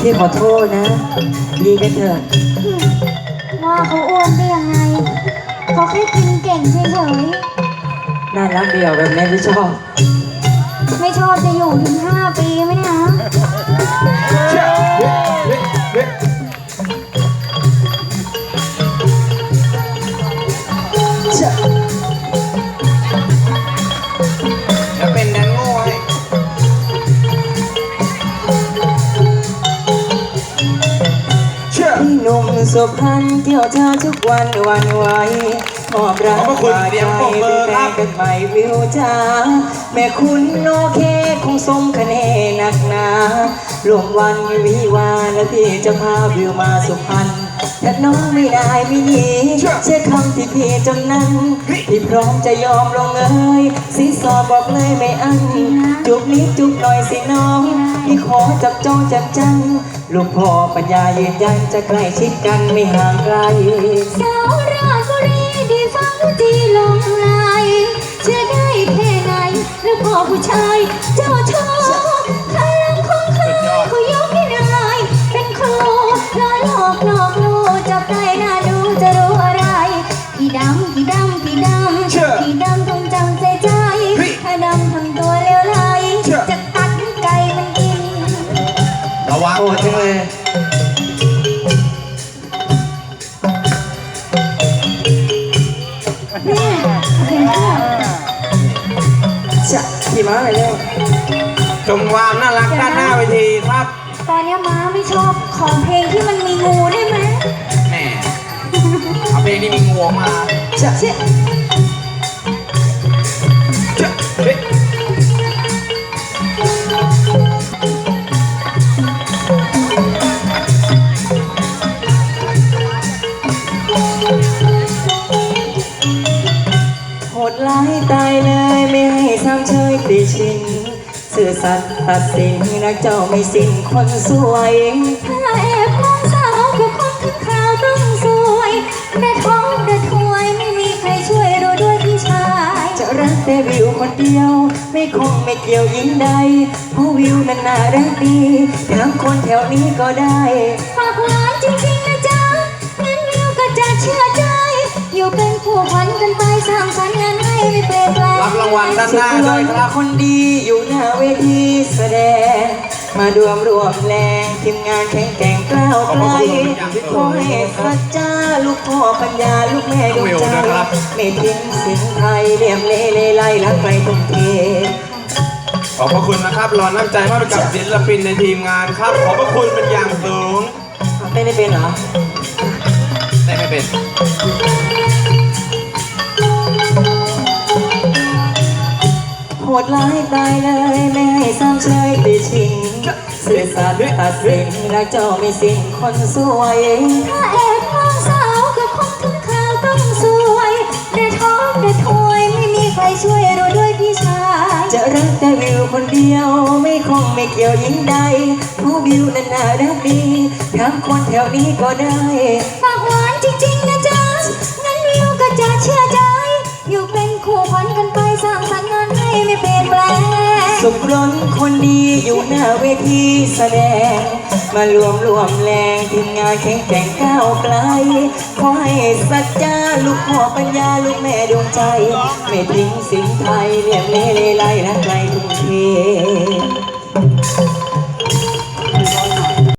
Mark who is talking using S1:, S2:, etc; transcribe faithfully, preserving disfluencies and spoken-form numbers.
S1: พี่ขอโทษนะดีกันเถอะ
S2: ว่าเขาอ้วนได้ยังไงเขาแค่กินเก่งเฉย
S1: น่ารักเดียวแบบนี้พี่ชอบ
S2: ๆไม่ชอบจะอยู่ถึงห้าปีไหมเนี่ย
S3: จะเป็นแดนโง่ให้
S1: พี่หนุ่มสุพรรณเกี่ยวเธอทุกวันวันไหวมอบรักมาใจเป็นแฟนกันใหม่วิวจ้าแม่คุณโอเคคงสมคะแนนหนักหนาลวงวันวิวาและพี่จะพาวิวมาสุพรรณถ้าน้องไม่ได้ไม่หนีเชื่อคำที่พี่จำนั้นพี่พร้อมจะยอมลงเอยสิสอบอกเลยไม่อันจุบนิดจุบหน่อยสิน้องพี่ขอจับจ้องจับจังลูกพ่อปัญญายืนยันจะใกล้ชิดกันไม่ห่างไกล
S2: สาวราชบุรีดีฟังจีลงลายเชื่อได้แค่ไหนแล้วพ่อผู้ชายเจ้าชอบพลังของเขาเขายกให้นายเป็นครูล้อหลอกหลอกลูกจับได้น่าดูจะรู้อะไรพี่ดำพี่ดำพี่ดำพี่ดำต้องจำใจใจถ้าดำทำตัวเลวไหลจะตัดไก่มันกิน
S3: ระวัง
S1: โอ้จังเลยจะขี่ม้าไปเร็ว
S3: ชมความน่ารักด้านหน้าเวทีครับ
S2: ตอนนี้ม้าไม่ชอบของเพลงที่มันมีงูได้ไหม
S3: แม่เอาเพลงที่มีงูมา
S1: จะเชี่ยโหดร้ายตายเลยไม่ให้ซ้ำเชยติชินสื่อสัตย์ตัดสินรักเจ้าไม่สิ้นคนสวย
S2: ถ้าแอบมองสาวกับคนทั้งข่าวต้องสวยแม่ท้องเดือดถวยไม่มีใครช่วยเราด้วยพี่ชาย
S1: จะรักแต่วิวคนเดียวไม่คงไม่เกี่ยวยิ่งใดเพราะวิวนั้นน่ารักดีทั้งคนแถวนี้ก็ได้
S2: ฝากหวานจริงๆนะจ๊ะงั้นวิวก็จะเชื่อใจอยู่เป็นผู้พันกันไปสร้างสรรค์งานให้ไม่เปลี่ยนแปลง
S3: รับรางวัลด้านหน้าด้วยครับ
S1: คนดีอยู่หน้าเวทีแสดงมารวมรวมแรงทีมงานแข็งแกร่งกล้าวไกลขอให้สัจจาลูกพ่อปัญญาลูกแม่ดวงใจไม่ทิ้งสิ่งไทยเลี่ยมเล่เล่ไล่รักใครทุ่มเท
S3: ขอบพระคุณนะครับรอน้ำใจมากกับศิลปินในทีมงานครับขอบพระคุณเป็นอย่างสูง
S1: เต้นไม่เป็นเหรอ
S3: เต้นไม่เป็น
S1: โหดร้ายตายเลยไม่ให้ซ้ำเชยติชิงสื่อสัตย์ตัดสินรักเจ้าไม่สิ้นคนสวย
S2: ถ้าแอบมองสาวกับคนทั้งข่าวต้องสวยได้ท้องได้ถวยไม่มีใครช่วยเราด้วยพี่ชาย
S1: จะรักแต่วิวคนเดียวไม่คงไม่เกี่ยวยิ่งใดผู้วิวนั้นน่ารักดีทั้งคนแถวนี้ก็ได้
S2: ฝากหวานจริงๆนะจ๊ะงั้นวิวก็จะเชื่อใจอยู่เป็นคู่พันกันไปสร้างสรรค์งานให้ไม่เปลี่ยนแปลง
S1: สุขล้นคนดีอยู่หน้าเวทีแสดงมารวมรวมแรงทีมงานแข็งแกร่งก้าวไกลขอให้สัจจาลูกพ่อปัญญาลูกแม่ดวงใจไม่ทิ้งสิ่งไทยเลี่ยมเล่ไล่รักใครทุ่มเท